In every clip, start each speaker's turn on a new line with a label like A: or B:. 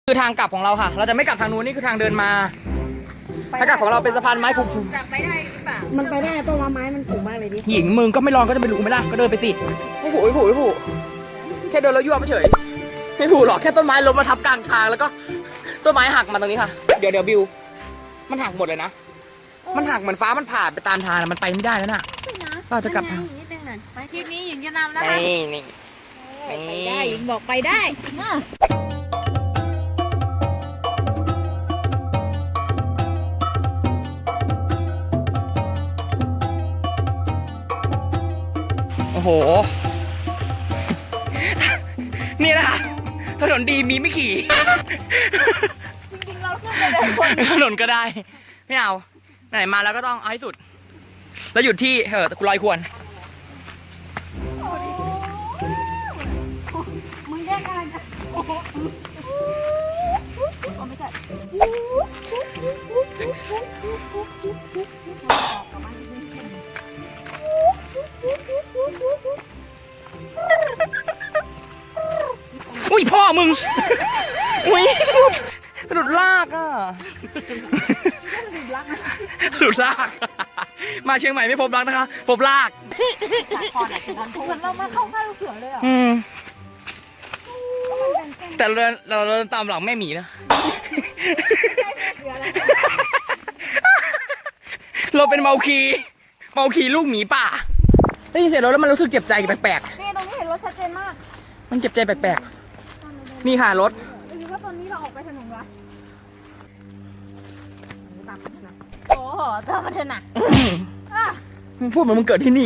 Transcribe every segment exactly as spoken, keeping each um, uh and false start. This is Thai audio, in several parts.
A: คือทางกลับของเราค่ะเราจะไม่กลับทางนู้นนี่คือทางเดินมาทางกลับของเราเป็นสะพานไม้ผูกๆ
B: กลับไปได้หรือเปล่า
C: มันไปได้เพราะว่าไม้มันผูกมากเลยดิ
A: หญิงมึงก็ไม่ลองก็จะไปรู้ไหมล่ะก็เดินไปสิไม่ผูกไม่ผูกไม่ผูกแค่เดินแล้วยั่วไปเฉยไม่ผูกหรอกแค่ต้นไม้ล้มมาทับกลางทางแล้วก็ต้นไม้หักมาตรงนี้ค่ะเดี๋ยวเดี๋ยวบิวมันหักหมดเลยนะมันหักเหมือนฟ้ามันผ่าไปตามทางมันไปไม่ได้แล้วน่ะเราจะกลับทาง
B: คลิปนี้หญิงจะนำนะคะ
A: นี่นี่
B: ไปได้หญิงบอกไปได้
A: โอ้โหนี่นะคะถนนดีมีไม่ขี่
B: จริงๆเราขึ้นไปเลยคน
A: ถนนก็ได้ไม่เอาไหนมาแล้วก็ต้องเอาให้สุดแล้วหยุดที่เออตะกุลอยควร
B: มึงแย่งอะไรกันโอ้โหไม่ใช่
A: อุ้ยพ่อมึงอุ้ยสะดุดสะดุดลากอ่ะสะดุดลากมาเชียงใหม่ไม่พบรักนะคะพบลาก
B: เหมือนเรามาเข้าค่ายลูกเสือเลยอ่ะ
A: อืมแต่เราเราเราตามหลังแม่หมีนะเราเป็นเมาคีเมาคีลูกหมีป่าได้ยินเสียงรถแล้วมันรู้สึกเจ็บใจแปลก
B: ๆนี่ตรงนี้เห็นรถชัดเจนมาก
A: มันเจ็บใจแปลกๆนี่ค่ะรถ
B: หรือว่าตอนนี้เราออกไปถนนวะโอ้โหตามมาเถอะนะ
A: มึงพูดเหมือนมึงเกิดที่นี่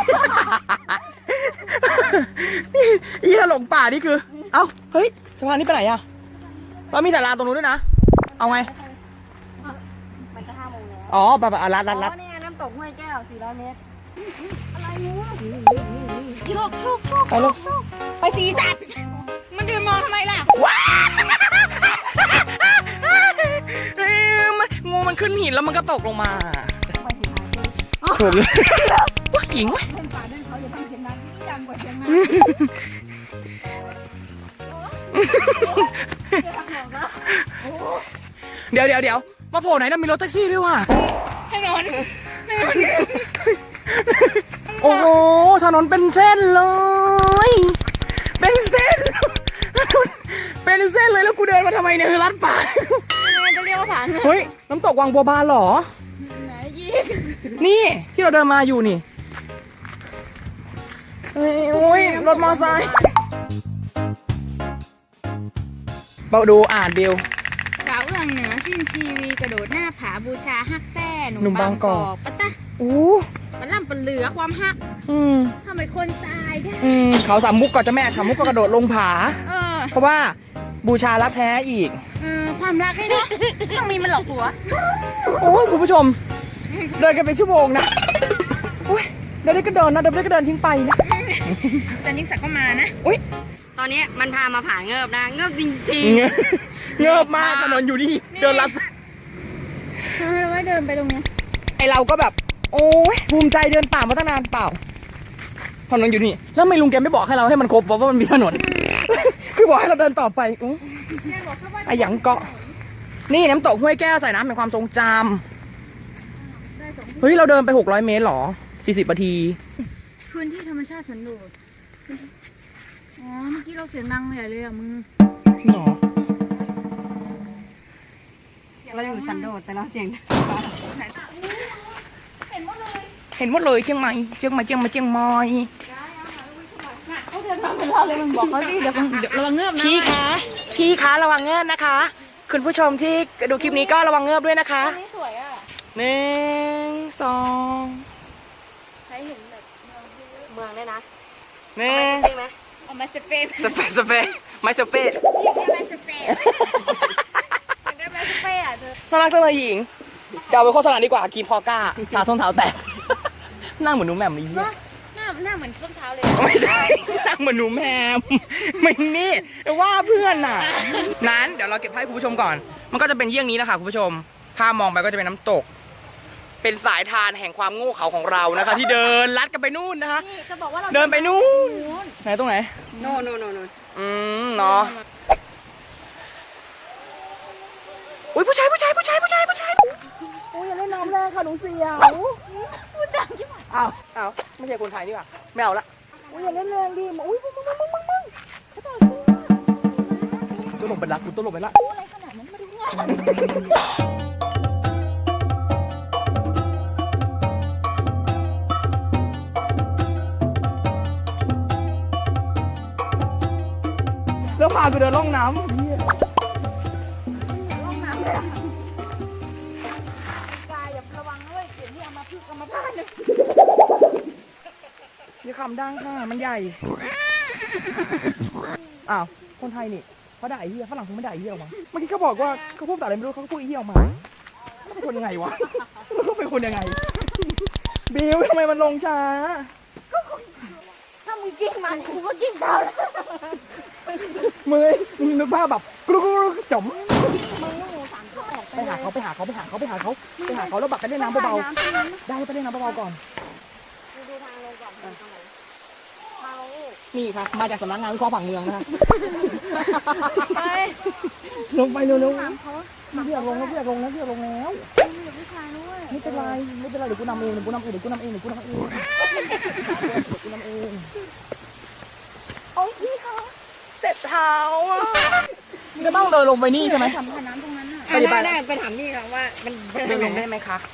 A: นี่ถ้าหลงป่านี่คือเอ้าเฮ้ยสะพานนี้ไปไหนอะเรามีศาลาตรงนู้นด้วยนะเอาไง
C: มันจะห้าโมงแล้ว
A: อ๋อไปไปลัดลัดลัด
C: นี่น้ำตกห้วยแก้วสี่ร้อยเมตร
B: อะไรเนี่ยโชคโชคโชค
A: ไปลูก
B: ไปสีสัตว์มันยืนมองทำไมล่ะ
A: ว้างูมันขึ้นหินแล้วมันก็ตกลงมาถูกเลยว้าหญิงวะ
B: เป็นป่าเดินเขาอย่าทำเสียงดังดังกว่าเสียงนะ
A: เดี๋ยวเดี๋ยวเดี๋ยวมาโผล่ไหนน่ะมีรถแท็กซี่ด้วยว่ะ
B: ให้นอน
A: โอ้โหถนนเป็นเส้นเลยเป็นเส้นเป็นเส้นเลยแล้วกูเดินมาทำไมเนี่ยลัดป่า
B: จะเรียกว่าผาเงิน
A: เฮ้ยน้ำตกวังบัวบานเหรอ
B: ไหนยี่
A: นี่ที่เราเดินมาอยู่นี่เฮ้ยโอ้ยรถมอเตอร์ไซค์เบาดูอ่านบิว
B: สาวเอื้องเหนือสิ้นชีวีกระโดดหน้าผาบูชาฮักแต้หนุ่มบางกอกปะตะ
A: อู้
B: มันล่ำเป็นเหลือความฮัก
A: อืม
B: ทำไมคนตายได้
A: อืมเขาสามมุกก่อนจะแม่สามมุกก็กระโดดลงผา
B: เออ
A: เพราะว่าบูชารักแท้อีก
B: เออความรักนี่เนาะต้องมีมันหลอกหัว
A: โอ้ยคุณผู้ชมเดินกันเป็นชั่วโมงนะโอ้ยเดินได้ก็เดินนะเดินได้ก็เดินทิ้งไปนะ
B: แต่ยิ่งสักก็มานะ
A: อุ้ย
C: ตอนนี้มันพามาผ่านเงิบนะเงิบจริง
A: ๆเงิบมากถนนอยู่นี่เดินลัด
B: ทำไมว่าเดินไปตรงนี้
A: ไอเราก็แบบโอ้ยภูมิใจเดินป่ามาตั้งนานเปล่าถนนอยู่นี่แล้วไม่ลุงแกไม่บอกให้เราให้มันครบว่ามันมีถนนคือบอกให้เราเดินต่อไปอู้ไอหยังเกาะนี่น้ำตกห้วยแก้วใส่น้ำเป็นความทรงจำเฮ้ยเราเดินไปหกร้อยเมตรหรอสี่สิบนาที
B: พื้นที่ธรรมชาติสันโดษอ๋อเมื่อกี้เราเสียงดังใหญ่เลยอ่ะมึง
A: พี่หรอ
C: เราอยู่สันโดษแต่เราเสียง
B: เห็นหมดเลย
A: เห็นหมดเลยเชียงใหม่เชียงใหม่เชียงใหม่เชียงใหม่
B: เขาเดินมาเป็นเราเลยมึงบอกเขาดิเดี๋ยวระวังเงือบนะ
A: พี่คะพี่คะระวังเงือบนะคะคุณผู้ชมที่ดูคลิปนี้ก็ระวังเงือบด้วยนะคะ
B: นี่สวยอ่ะ
A: หนึ่งสอง
B: ใครเห็นแบบ
C: เมืองได้นะ
A: หนึ่ง
C: ใช่ไหม
B: เอามาสเปซ
A: สเปซสเปซไม่สเปซ
B: อยากได้มาสเปซอยากได้มาสเปซอ่ะเธอ
A: น่ารักจังเลยหญิงเดี๋ยวไปโฆษณาดีกว่าครีมพอก้าทาส้นเท้าแตกหน้าเหมือนหนูแหม่มเลย
B: หน้าหน้าเหมือนส้นเท้าเลย
A: ไม่ใช่หน้าเหมือนหนูแหม่มไม่นี่ว่าเพื่อนน่ะนั้นเดี๋ยวเราเก็บให้คุณผู้ชมก่อนมันก็จะเป็นเยี่ยงนี้นะคะคุณผู้ชมถ้ามองไปก็จะเป็นน้ำตกเป็นสายทานแห่งความโง่เขลาของเรานะคะที่เดินลัดกันไปนู่นนะคะเดินไปนู่นไหนตรงไหน
C: โน่โน่โน่โน่
A: อืมเนาะอุ้ยผู้ชายผู้ชายผู้ชายผู้ชายผู้ชายโอ้ยอย่าเล่นน้ำแรงค่ะหนูเสียวอ้าวอ้าวไม่ใช่คนไทยนี่หว่าไม่เอาละอุ้ยอย่าเล่นแรงดิอุ้ยมึงมึงมึงมึงมึงเขาต่อสู้ตัวหลบไปละกูตัวหลบไปละอะไรขนาดนั้นมาดูงานแล้วพากูเดินล่องน้ำล่องน้ำเลยอ่ะกายอย่าระวังด้วยเดี๋ยวนี้เอามาพึ่งเอามาพาดเลยอย่าคำดังค่ะมันใหญ่อ้าวคนไทยนี่เขาด่าไอ้เหี้ยฝรั่งคงไม่ด่าไอ้เหี้ยออกมาเมื่อกี้เขาบอกว่าเขาพูดแต่อะไรไม่รู้เขาพูดไอ้เหี้ยออกมาเขาเป็นคนยังไงวะเขาเป็นคนยังไงบิวทำไมมันลงช้าถ้ามึงกิ้งมันกูก็กิ้งตามมือมึงนึกภาพแบบกรุ๊กจมไปหาเขาไปหาเขาไปหาเขาไปหาเขาไปหาเขาแล้วบักกันเล่นน้ำเบาๆได้ไปเล่นน้ำเบาๆก่อนดูทางลงก่อนนี่ค่ะมาจากสำนักงานวิเคราะห์ผังเมืองนะคะลงไปเร็วๆเพื่อลงแล้วเพื่อลงแล้วเพื่อลงแล้วไม่เป็นไรไม่เป็นไรเดี๋ยวกูนำเองเดี๋ยวกูนำเองเดี๋ยวกูนำเองเดี๋ยวกูนำเองเดี๋ยวกูนำเองโอ้ยพี่คะเจ็บเท้าอ่ะจะต้องเดินลงไปนี่ใช่ไหมทำน้ำตรงนั้นอ่ะ
C: ได้ได้ไปถามนี่ค่ะว่ามัน
A: เดินลงได้ไหมคะ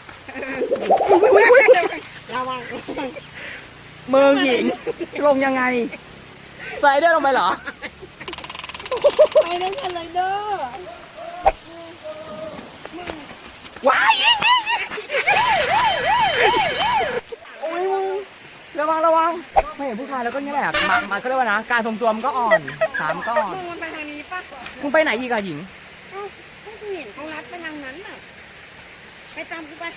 C: ระวัง
A: เมืองหญิงลงยังไงสไลเดอร์ลงไปเหรอ
C: ไปนั่นกันเลยเด้อ
A: ว้ายโอ้ยระวังระวังไม่เห็นผู้ชายแล้วก็นี่แหละมามาก็เรียกว่านะการทรงตัวมันก็อ่อนสามก็อ่อน
C: มึงไปทางนี้ปะ
A: มึงไปไหนอีกอะหญิง
C: เอ้าไม่เห็นเขารัดไปทางนั้นน่ะไปตามกูไป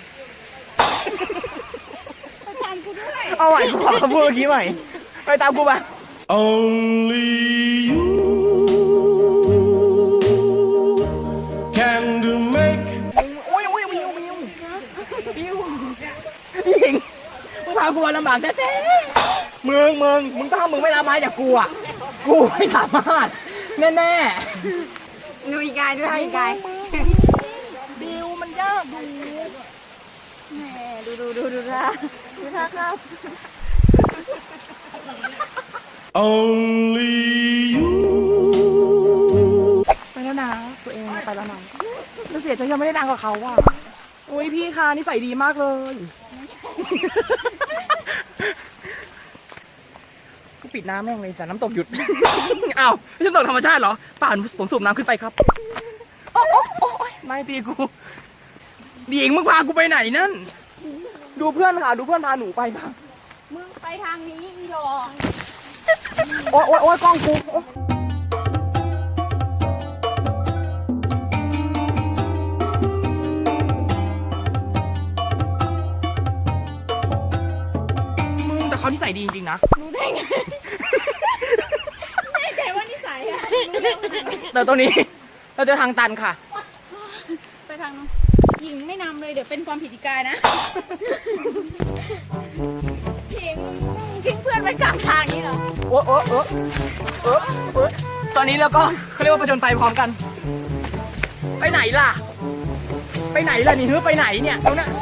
C: ไปตามกูด้วย
A: เอาใหม่ขอพูดเมื่อกี้ใหม่ไปตามกูไป
D: Only you can do make
A: อุ้ยอุ้ยวิววิววิวหญิงมึงพากูมาลำบากแท้ๆมึงมึงมึงต้องมึงไม่รับไม้จากกูอ่ะกูไม่สามารถแน่
C: ๆดูอีกายด้วยอีกาย
A: บิวมันยากดู
C: แหมดูดูดูดูท่าดูท่าครับ
D: Only you
A: ไปแล้วนะตัวเองไปแล้วนะแล้วเสียใจยังไม่ได้ดังกับเขาว่ะโอ้ยพี่ค่ะนิสัยดีมากเลยกูปิดน้ำแม่งเลยสารน้ำตกหยุดอ้าวไม่ใช่ตกธรรมชาติเหรอป่านผมสูบน้ำขึ้นไปครับโอ้โอ้โอ้ไม่ตีกูดีเองมึงพากูไปไหนนั่นดูเพื่อนค่ะดูเพื่อนพาหนูไปบ้าง
C: มึงไปทางนี้อีหลอง
A: โอ้ยโอ้ยโอ้ยกล้องกูมึงแต่เขานิสัยดีจริงๆนะ
C: รู้ได้ไงแน่ใจว่านิสัยอะ
A: แต่ตรงนี้เราเจอทางตันค่ะ
B: ไปทางนู้นหญิงไม่นำเลยเดี๋ยวเป็นความผิดอีกายนะหญิงทิ้งเพื่อนไว้กลางทางนี่เหรอ
A: โอ้โอ้โอ้โอ้โอ้ตอนนี้เราก็เขาเรียกว่าผจญภัยพร้อมกันไปไหนล่ะไปไหนล่ะนี่เฮ้ยไปไหนเนี่ยตรงนั้น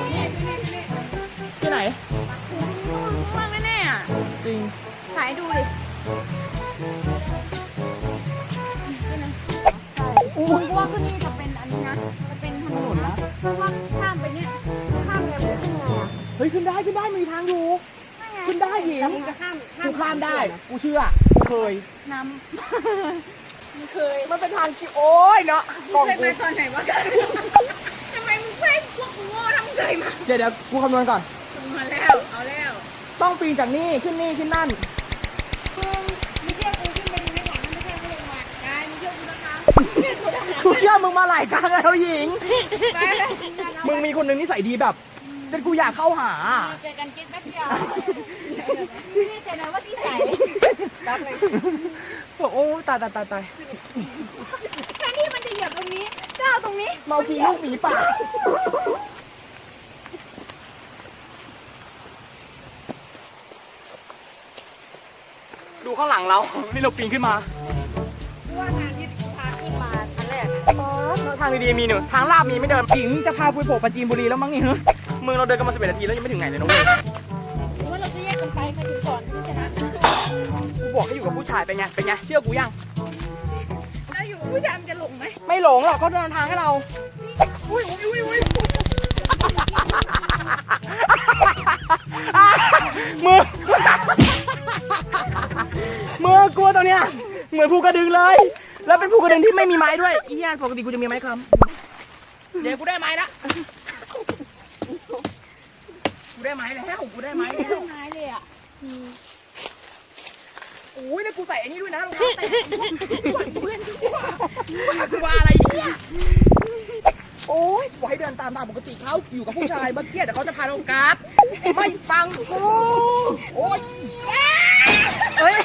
A: ที่ไหน
B: ว่างแน่ๆอ่ะ
A: จริง
B: ถ่ายดูดิอุ้ยว่าขึ้นนี่จะเป็นอันนี้นะจะเป็นถนนนะเพราะว่าข้ามไปเนี่ยข้ามไปเลยขึ้นไงอ่ะ
A: เฮ้ยขึ้นได้ขึ้นได้มีทางอยู่ขึ้นได้หญิง
C: จะข้าม
A: กูข้ามได้กูเชื่อกูเคย
B: น้ำมึงเคย
A: มันเป็นทางที่โอ้ยเนาะ
B: เคยมาตอนไหนวะกันทำไมมึงเคยพวกกูโง่ทำเคยมา
A: เดี๋ยวเดี๋ยวกูคำนวณก่อน
B: คำนวณแล้วเอาแล้ว
A: ต้องปีนจากนี่ขึ้นนี่ขึ้นนั่น
C: ไม่เชื่อกูขึ้นไปดูไม่ก่อนไม่ใช่กูลงมาได้ไม่เชื่อกูนะคะ
A: กูเชื่อมึงมาหลายครั้งแล้วหญิงมึงมีคนนึงนิสัยดีแบบจนกูอยากเข้าหา
B: เจอกันกินแป๊บเดียวพี่นี่ใจนะว่าที่ใส่
A: รับเลยโอ้ตายตายตายตาย
B: แทนที่มันจะเหยียบตรงนี้เจ้าตรงนี้
A: เมาขี้ลูกหมีป่าดูข้างหลังเรานี่เราปีนขึ้นมา
C: ว่าทางที่พาขึ้นมาอันแรก
A: ทางางดีๆมีหนึ่งทางลาบมีไม่เดินหญิงจะพาคุยโผล่ปราจีนบุรีแล้วมั้งนี่เฮ้ยมึงเราเดินกันมาสิบเอ็ดนาทีแล้วยังไม่ถึงไหนเลยนะเว้ย
B: หรือว่าเราจะแยกกันไปใครถึงก่อนที่ชนะ
A: กูบอกให้อยู่กับผู้ชายเป็นไงเป็นไงเชื่อกูยัง
B: แล้วอยู่ผู้ชายมันจะหลงไหม
A: ไม่หลงหรอกเขาเดินทางให้เรา
B: อุ้ยอุ้ยอุ้ยอุ้ย
A: มือมือกลัวตัวเนี้ยเหมือนภูกระดึงเลย แล้วเป็นภูกระดึงที่ไม่มีไม้ด้วยอีเหี้ยปกติกูจะมีไม้ค้ำเดี๋ยวกูได้ไม้ละกูได้ไม้แล้วกูได้ไม้แล้ว
B: ไม้เลยอ่ะ
A: โอ้ยแล้วกูใส่ไอ้นี่ด้วยนะรองเท้าแตะกูเล่นกูว่ากูว่าอะไรเนี่ยโอ้ยบอกให้เดินตามตามปกติเขาอยู่กับผู้ชายเมื่อกี้เดี๋ยวเขาจะพาเรากราฟไม่ฟังกูโอ้ยเอ้ย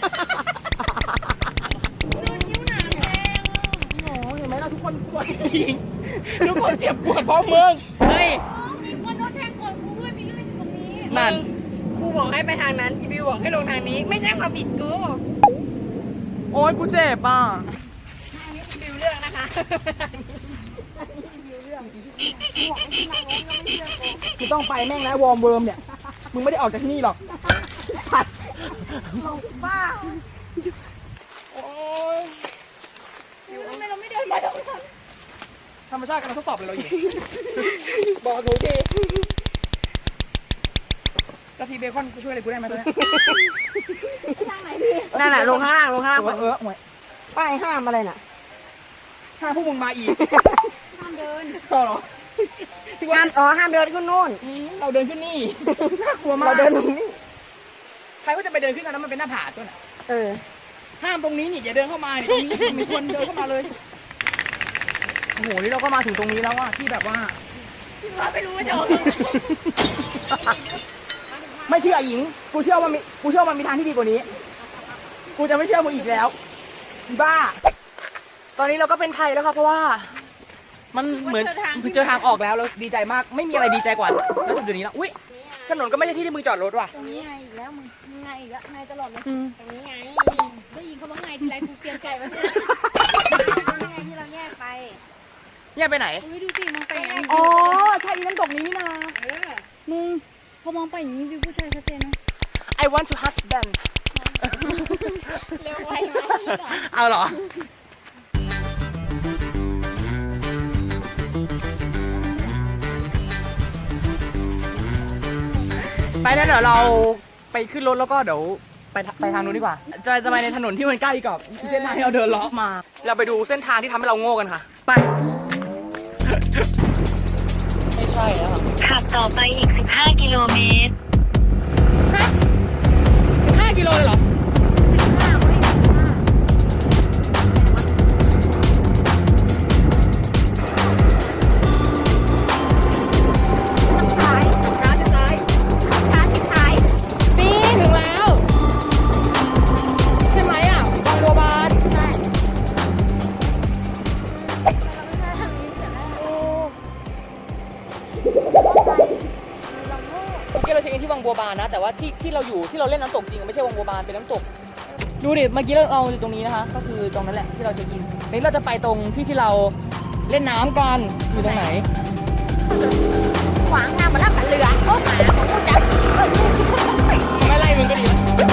A: โอ้เห็นไหมเราทุกคนปวดจริงทุกคนเจ็บปวดเพราะมึงเฮ้ย
B: มีคนโดนแทงก่อนกูด้วยมีเลือดอยู่ตรงนี้
A: นั่น
C: กูบอกให้ไปทางนั้นอีบิวบอกให้ลงทางนี้ ไม่ใช่ความผิดกู
A: โอ้ยกูเจ็บอ่ะ
C: ทางนี้อีบิวเลือกนะคะ
A: กูต้องไปแม่งแล้ววอร์มเวิร์มเนี่ยมึงไม่ได้ออกจากที่นี่หรอกสัตว์
C: บ้า
A: โอ้ย
B: ทำไมเราไม่เดินมาตรงนั้น
A: ธรรมชาติกำลังทดสอบเลยเราอยู่ บอกหนูทีแล้วพี่เบคอนกูช่วยอะไรกูได้ไหมตัวเนี้ย
B: ทางไหนดี
C: นั่นแหละลงข้างล่างลงข้างล่าง
A: เออเออหมวย
C: ป้ายห้ามอะไรน่ะ
A: ถ้าพวกมึงมาอีก
B: ห้ามเดิน
A: ต่อเหรอที่ว่า
C: ห้ามอ๋อห้ามเดินขึ้นนู่น
A: อืมเราเดินขึ้นนี่น่ากลัวมาก
C: เราเดินตรงนี้
A: ใครว่าจะไปเดินขึ้นอันนั้นมันเป็นหน้าผาตัวน่ะ
C: เออ
A: ห้ามตรงนี้นี่อย่าเดินเข้ามานี่ตรงนี้มีคนเดินเข้ามาเลยโอ้โหนี่เราก็มาถึงตรงนี้แล้วอะที่แบบว่า
B: เราไม่รู้ว่าจะออก
A: ไม่เชื่อหญิง กูเชื่อว่ามีกูเชื่อว่ามันมีทางที่ดีกว่านี้ กูจะไม่เชื่อมึงอีกแล้วอีบ้า ตอนนี้เราก็เป็นไทยแล้วครับเพราะว่า มันเหมือนเจอทางออกแล้วเราดีใจมาก ไม่มีอะไรดีใจกว่าแล้วจุดนี้แล้วอุ้ยถนนก็ไม่ใช่ที่ที่มึงจอดรถว่ะ
B: ตรงนี้ไงอีกแล้วมึงมึงไงอีกแล้วไงตลอดเลย
A: อืม
C: ตรงนี้ไง
B: ได้ยินเขาว่าไงทีไรกูเตรียมใจไว้เลย
C: ตรงนี้ไงที่เราแยกไป
A: แยกไปไหน
B: อุ้ยดูสิมองไปอย่างนี้
A: อ๋อใช่อีน้ำตกนี้นี่นา
C: เออ
B: มึงพอมองไปอย่างนี้วิวผู้ชายชัดเจนเนาะ
A: I want to husband
B: เร็วไวไหม
A: เอาเหรอ ไปนะเดี๋ยวเราไปขึ้นรถแล้วก็เดี๋ยวไปทไปทางนู้นดีกว่า จะจะไปในถนนที่มันใกล้กับเส้นทางที่เราเดินเลาะมา เราไปดูเส้นทางที่ทำให้เราโง่กันค่ะ ไป ไม่ใช่แล้วอะ
E: ขับต่อไปอีก สิบห้า กิโลเมตร
A: ห้ากิโลเลยเหรอ
B: ห้าเว้ยห้า
A: ซ้ายช้าชิดซ้าย
B: ช้าที่ท้าย
A: นี่ถึงแล้ว ใช่ไหมอ่ะบางบัวบาน
B: ใช่เราไม่ใช่ทางนี้แต่แรก
A: โอ้
B: ใจเราโง่
A: เมื่อกี้เราเช็คอินที่บางบัวบานนะ แต่ว่าที่ที่เราอยู่ที่เราเล่นน้ำตกจริงไม่ใช่บางบัวบานเป็นน้ำตก ดูดิ เมื่อกี้เราเราอยู่ตรงนี้นะคะ ก็คือตรงนั้นแหละที่เราเช็คอินนี้เราจะไปตรงที่ที่เราเล่นน้ำกัน อยู่ตรงไหน
B: ขวางทางมาทับกันเรือโอ้หมาของกูจับ
A: ไม่ไล่มึงก็ดีแล้ว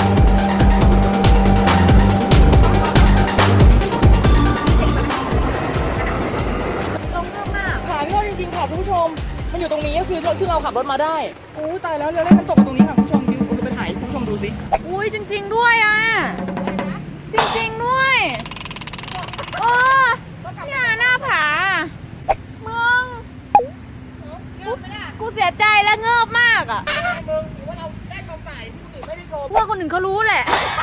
B: ลงเรื่องมาก
A: หาไม่ได้จริงๆค่ะคุณผู้ชม มันอยู่ตรงนี้ก็คือเราที่เราขับรถมาได้โอ้ตายแล้วเราเล่นน้ำตกกันตรงนี้ค่ะคุณผู้ชมวิวคุณไปถ่ายให้คุณผู้ชมดูสิ
B: อุ้ยจริงๆด้วยอ่ะ จริงๆด้วยโอ้เนี่ยหน้าผามึงกูกูเสียใจและเงิบมากอ่ะ
A: มึงถือว่าเราได้ชมฝ่ายที่คนอื่นไม่ได้ชม
B: ว่าคนอื่นเขารู้แหละ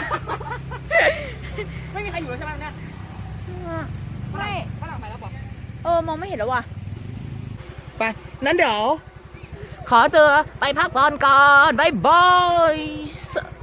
A: ไม่มีใครอยู่แล้วใช่ไหมเนี่ย
B: ไม่
A: ฝรั่งไปแล้วบอก
B: เออมองไม่เห็นแล้วว่ะ
A: ไป นั้นเดี๋ยว ขอตัวไปพักผ่อนก่อนบายบาย